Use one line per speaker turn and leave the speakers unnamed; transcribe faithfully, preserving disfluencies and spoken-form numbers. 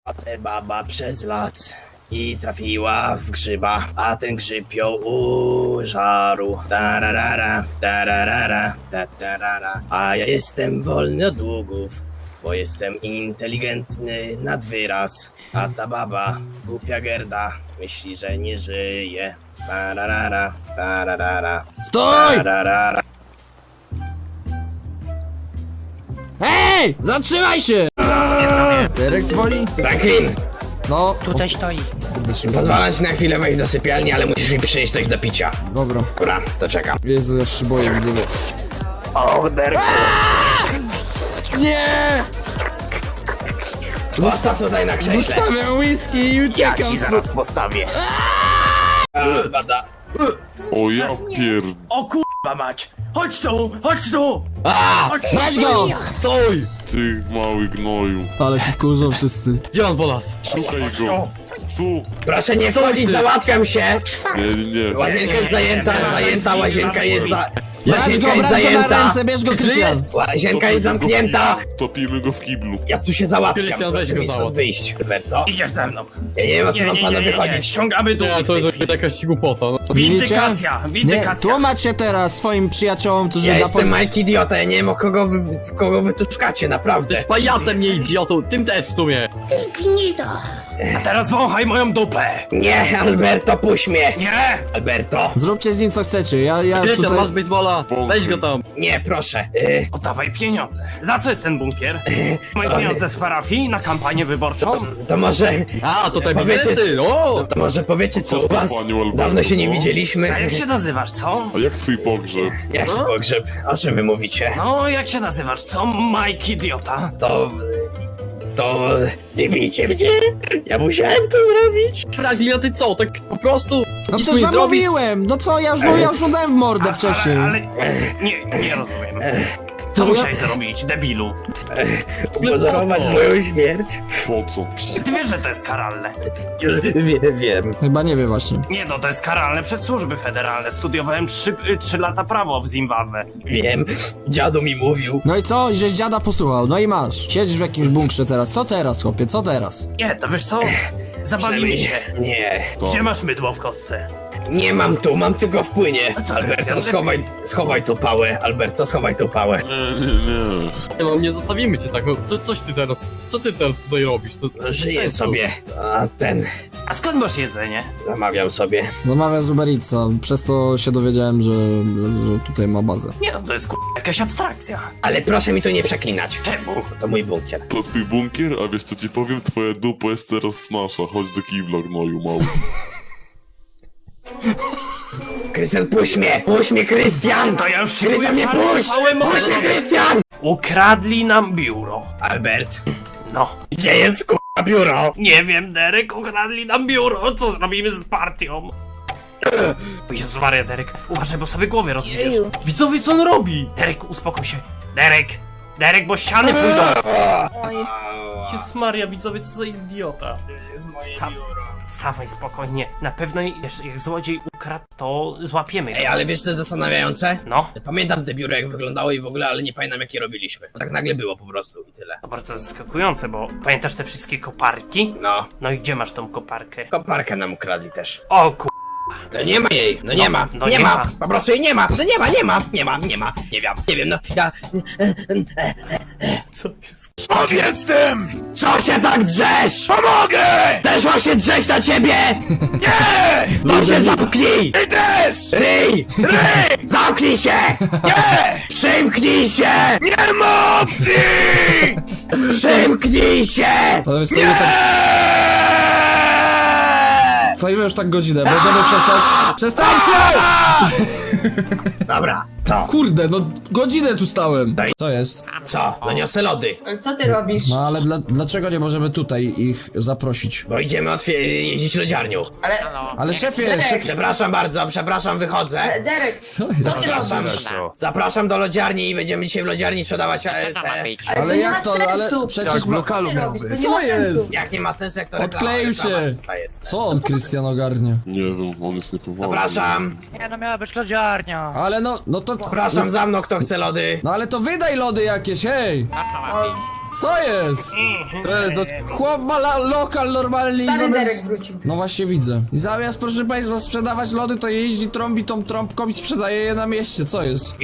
Spacer baba przez las i trafiła w grzyba, a ten grzyb ją użarł. Tararara, tararara, tararara. A ja jestem wolny od długów, bo jestem inteligentny nad wyraz. A ta baba, głupia gerda, myśli, że nie żyje. Tararara, tararara,
Stój!
tararara.
Hej! Zatrzymaj się! Derek dzwoni?
Franklin,
No,
Tutaj stoi.
kurde się
pozwalam ci na chwilę wejść do sypialni, ale musisz mi przynieść coś do picia.
Dobra.
Dobra, to czekam.
Jezu, ja się boję, widzowie.
O, Derku.
Nie!
Zostaw tutaj na krześle.
Zostawiam whisky i
Ja
uciekam
ci
stąd.
zaraz postawię. A, bada.
O ja pier...
O kurwa mać! Chodź tu! Chodź tu!
A,
Chodź
Weź go!
Stój!
Ty mały gnoju.
Ale się wkurzą wszyscy.
Gdzie on po nas?
Szukaj go. Tu.
proszę nie wchodzić, załatwiam się.
Nie, nie, nie.
Łazienka jest zajęta, zajęta, łazienka jest za...
Bierz go,
Łazienka jest
bierz go na
zajęta.
ręce, bierz go, Krystian!
Łazienka jest zamknięta.
Topimy go w kiblu.
Ja tu się załatwiam,
Krystian, weź
proszę
go
mi stąd
załatw.
wyjść, Roberto.
Idziesz ze mną!
Ja nie wiem, o co wam panu wychodzić.
Ściągamy dół!
Nie, to jest jakaś głupota. No.
Widzicie?
Windykacja!
Nie,
Windykacja!
tłumacz się teraz swoim przyjaciołom, którzy
Ja
na
jestem Mike Idiota, ja nie wiem o kogo wy, kogo wy tu szukacie, naprawdę.
Jesteś pajacem, nie idiotą, tym też w sumie.
A teraz wąchaj moją dupę!
Nie, Alberto, puść mnie.
Nie!
Alberto,
Zróbcie z nim co chcecie, ja, ja już
Krystian,
tutaj...
masz baseballa, weź go tam.
nie, proszę. Y,
Oddawaj pieniądze! Za co jest ten bunkier? Moje pieniądze z parafii na kampanię wyborczą?
to może...
A, to te
Powiecie-
biznesy, o!
To może powiecie co u was?
Paniu Alberto,
Dawno się nie
co?
widzieliśmy.
A jak się nazywasz, co?
A jak twój pogrzeb?
Jaki pogrzeb? O czym wy mówicie?
No, jak się nazywasz, co? Mike Idiota?
To... To... Nie bijcie mnie! Ja musiałem to zrobić!
Franklin, a ty co, tak po prostu?
No
nic
przecież
nie
wam
zrobisz?
mówiłem! No co, ja już, ja już udałem w mordę wcześniej.
Ale, ale nie, nie rozumiem. Co
To ja-
musiałeś zrobić, debilu?
Upozorować
co?
swoją śmierć?
Po co?
Ty wiesz, że to jest karalne.
Wie, wiem.
Chyba nie wie właśnie.
Nie no, to jest karalne przez służby federalne. Studiowałem trzy, trzy lata prawo w Zimbabwe.
Wiem. Dziadu mi mówił.
No i co? I żeś dziada posłuchał, no i masz. Siedzisz w jakimś bunkrze teraz. Co teraz, chłopie, co teraz?
Nie, to wiesz co? Zabawimy się.
Nie.
Gdzie masz mydło w kostce?
Nie mam tu, mam tylko w płynie.
co,
Alberto,
Krystian?
schowaj, schowaj tu pałę. Alberto, schowaj tu pałę.
Nie, nie, nie.
Nie, no, nie zostawimy cię tak, no co, coś ty teraz, co ty teraz tutaj robisz? To, to bez
Żyję
sensu.
sobie. A ten...
A skąd masz jedzenie?
Zamawiam sobie.
Zamawia z Uber Eatsa, przez to się dowiedziałem, że, że tutaj ma bazę.
Nie no, to jest kur... jakaś abstrakcja.
Ale proszę mi tu nie przeklinać.
Czemu?
To mój bunkier.
To twój bunkier? A wiesz co ci powiem? Twoja dupa jest teraz nasza. Chodź do kibla, gnoju mały.
Krystian, puść mnie! Puść mnie, Krystian!
To ja już
Krystian,
szykuję
mnie
czarne
puść!
całe
Puść mnie,
morze.
Krystian!
Ukradli nam biuro.
Albert,
No.
gdzie jest k***a biuro?
Nie wiem, Derek, ukradli nam biuro. Co zrobimy z partią? O Jezu Maria, Derek, uważaj, bo sobie głowę rozbijesz. Widzowie, co on robi? Derek, uspokój się. Derek! Derek, bo ściany pójdą. Jezu Maria, widzowie, co za idiota. Sta stawaj spokojnie. Na pewno wiesz, jak złodziej ukradł, to złapiemy go.
Ej, ale wiesz co jest zastanawiające?
No,
Pamiętam te biuro jak wyglądało i w ogóle, ale nie pamiętam jakie robiliśmy. Tak nagle było po prostu i tyle.
to bardzo zaskakujące, bo pamiętasz te wszystkie koparki?
No,
No i gdzie masz tą koparkę?
koparkę nam ukradli też.
O ku...
No nie ma jej, no nie
No,
ma,
no
nie
nie
ma,
ma.
po prostu jej nie ma, no nie ma, nie ma, nie ma, nie ma, nie wiem, nie wiem, no ja...
Co jest?
Powiedz tym! Co się tak drzesz? Pomogę! Też mam się drzeć na ciebie! Nie! To się zamknij! Ty też! Ryj! Ryj! Zamknij się! Nie! Przymknij się! Nie ma opcji! Przymknij się!
Ale stoimy tak... Stoimy już tak godzinę, możemy przestać? Przestańcie!
Dobra, co?
Kurde, no godzinę tu stałem. Co jest?
Co? No niosę lody.
Co ty robisz?
No ale dla, dlaczego nie możemy tutaj ich zaprosić?
Bo idziemy otwie- jeździć lodziarnią.
Ale...
Ale szefie,
Derek.
szefie...
Przepraszam bardzo, przepraszam, wychodzę.
Derek,
Co
co
jest?
ty
Zapraszam,
robisz?
zapraszam do lodziarni i będziemy dzisiaj w lodziarni sprzedawać e, te...
Ale,
Ale
nie
jak
ma
to, ale
sensu.
przecież...
Co ty robisz? To nie
Co
ma
jest?
sensu.
Jak nie ma sensu, jak to
Odkleił
reklama,
się.
reklama czysta jest.
Co on, Krystian, ogarnie?
Nie wiem, on jest niepoważny.
Zapraszam,
Nie no, miała być lodziarnia.
Ale no, no to...
zapraszam za mną, kto chce lody.
No ale to wydaj lody jakieś, hej!
O,
Co jest?
To jest od...
Chłop ma la- lokal normalnie i
Stary Derek
zamiast...
wrócił.
No właśnie widzę. I zamiast, proszę państwa, sprzedawać lody, to jeździ, trąbi tą trąbką i sprzedaje je na mieście. Co jest?